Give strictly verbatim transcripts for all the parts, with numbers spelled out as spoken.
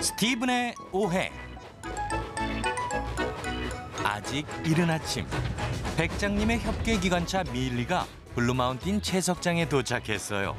스티븐의 오해. 아직 이른 아침, 백장님의 협계 기관차 밀리가 블루마운틴 채석장에 도착했어요.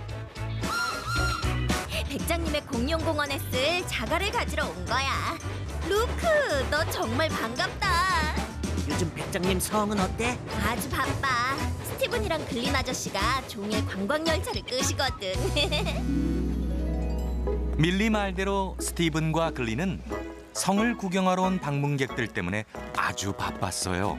백장님의 공룡공원에 쓸 자갈을 가지러 온 거야. 루크, 너 정말 반갑다. 요즘 백장님 성은 어때? 아주 바빠. 스티븐이랑 글린 아저씨가 종일 관광열차를 끄시거든. 밀리 말대로 스티븐과 글리는 성을 구경하러 온 방문객들 때문에 아주 바빴어요.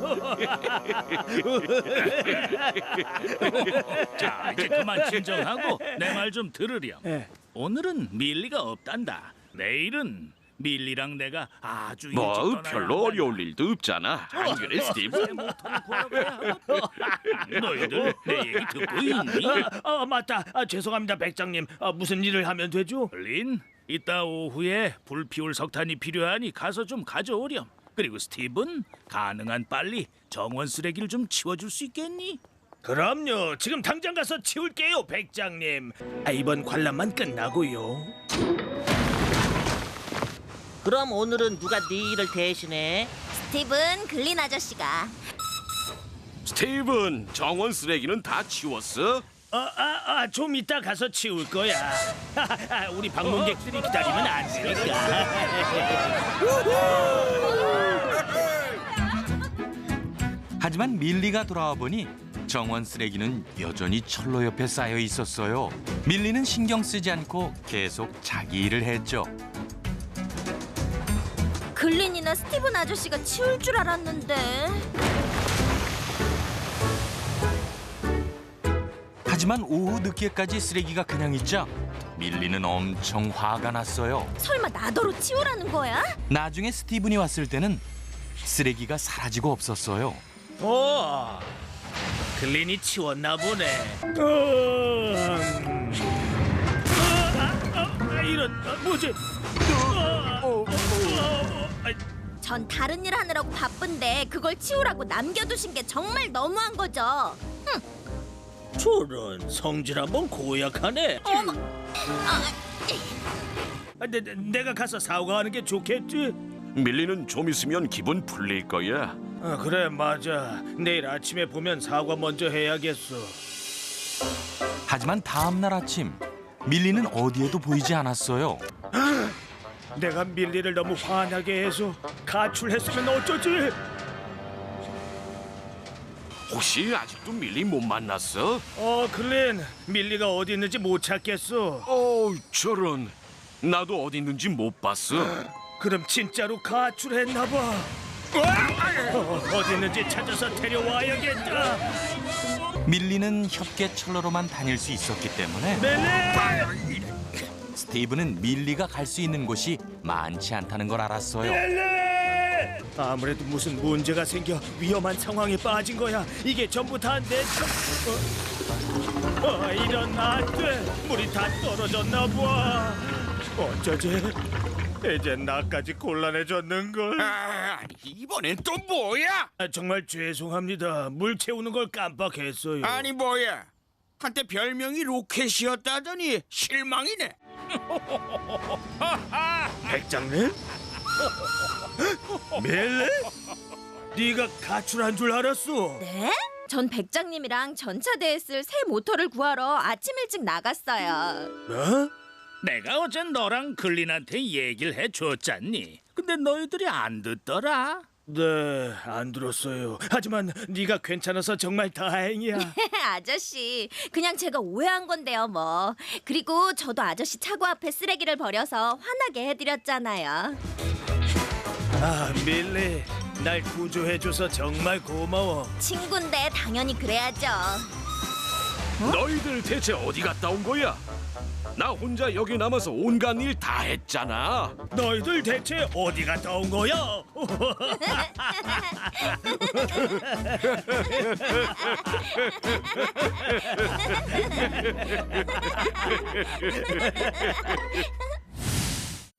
자, 이제 그만 진정하고 내 말 좀 들으렴. 오늘은 밀리가 없단다. 내일은 밀리랑 내가 아주 일찍 뭐 떠나야 별로 한단다. 어려울 일도 없잖아. 안 그래, 스티브? 새 모터를 구하러 가야 하거든. 너희들 내 얘기 듣고 있니? 아, 아 맞다. 아, 죄송합니다, 백장님. 아, 무슨 일을 하면 되죠? 린, 이따 오후에 불 피울 석탄이 필요하니 가서 좀 가져오렴. 그리고 스티븐, 가능한 빨리 정원 쓰레기를 좀 치워줄 수 있겠니? 그럼요. 지금 당장 가서 치울게요, 백장님. 아, 이번 관람만 끝나고요. 그럼 오늘은 누가 네 일을 대신해? 스티븐, 글린 아저씨가. 스티븐, 정원 쓰레기는 다 치웠어? 아, 아, 아, 좀 이따 가서 치울 거야. 아, 우리 방문객들이 기다리면 안 되니까. 하지만 밀리가 돌아와 보니 정원 쓰레기는 여전히 철로 옆에 쌓여 있었어요. 밀리는 신경 쓰지 않고 계속 자기 일을 했죠. 글린이나 스티븐 아저씨가 치울 줄 알았는데. 하지만 오후 늦게까지 쓰레기가 그냥 있자 밀리는 엄청 화가 났어요. 설마 나더러 치우라는 거야? 나중에 스티븐이 왔을 때는 쓰레기가 사라지고 없었어요. 오, 글린이 치웠나 보네. 어, 음. 아, 아, 아, 이런, 아, 뭐지? 아, 어, 어, 어, 아, 전 다른 일 하느라고 바쁜데 그걸 치우라고 남겨두신 게 정말 너무한 거죠. 저런 성질 한번 고약하네. 어머, 아, 내, 내- 내가 가서 사과하는 게 좋겠지? 밀리는 좀 있으면 기분 풀릴 거야. 아, 그래 맞아. 내일 아침에 보면 사과 먼저 해야겠어. 하지만 다음 날 아침 밀리는 어디에도 보이지 않았어요. 내가 밀리를 너무 화나게 해서 가출했으면 어쩌지? 혹시 아직도 밀리 못 만났어? 어, 글린, 밀리가 어디 있는지 못 찾겠어. 어, 저런. 나도 어디 있는지 못 봤어. 그럼 진짜로 가출했나 봐. 어, 어디 있는지 찾아서 데려와야겠다. 밀리는 협계 철로로만 다닐 수 있었기 때문에 밀리! 스티븐은 밀리가 갈 수 있는 곳이 많지 않다는 걸 알았어요. 밀리! 아무래도 무슨 문제가 생겨 위험한 상황에 빠진 거야. 이게 전부 다 내 탓. 어, 어, 이런 안 돼. 물이 다 떨어졌나 봐. 어쩌지? 이제 나까지 곤란해졌는걸. 아, 이번엔 또 뭐야? 아, 정말 죄송합니다. 물 채우는 걸 깜빡했어요. 아니 뭐야? 한때 별명이 로켓이었다더니 실망이네. 백장님? 밀리? 네가 가출한 줄 알았어. 네? 전 백장님이랑 전차대에 쓸 새 모터를 구하러 아침 일찍 나갔어요. 뭐? 내가 어제 너랑 글린한테 얘기를 해줬잖니. 근데 너희들이 안 듣더라. 네, 안 들었어요. 하지만 네가 괜찮아서 정말 다행이야. 아저씨, 그냥 제가 오해한 건데요, 뭐. 그리고 저도 아저씨 차고 앞에 쓰레기를 버려서 화나게 해드렸잖아요. 아, 밀리, 날 구조해줘서 정말 고마워. 친구인데 당연히 그래야죠. 너희들 대체 어디 갔다 온 거야? 나 혼자 여기 남아서 온갖 일 다 했잖아. 너희들 대체 어디 갔다 온 거야?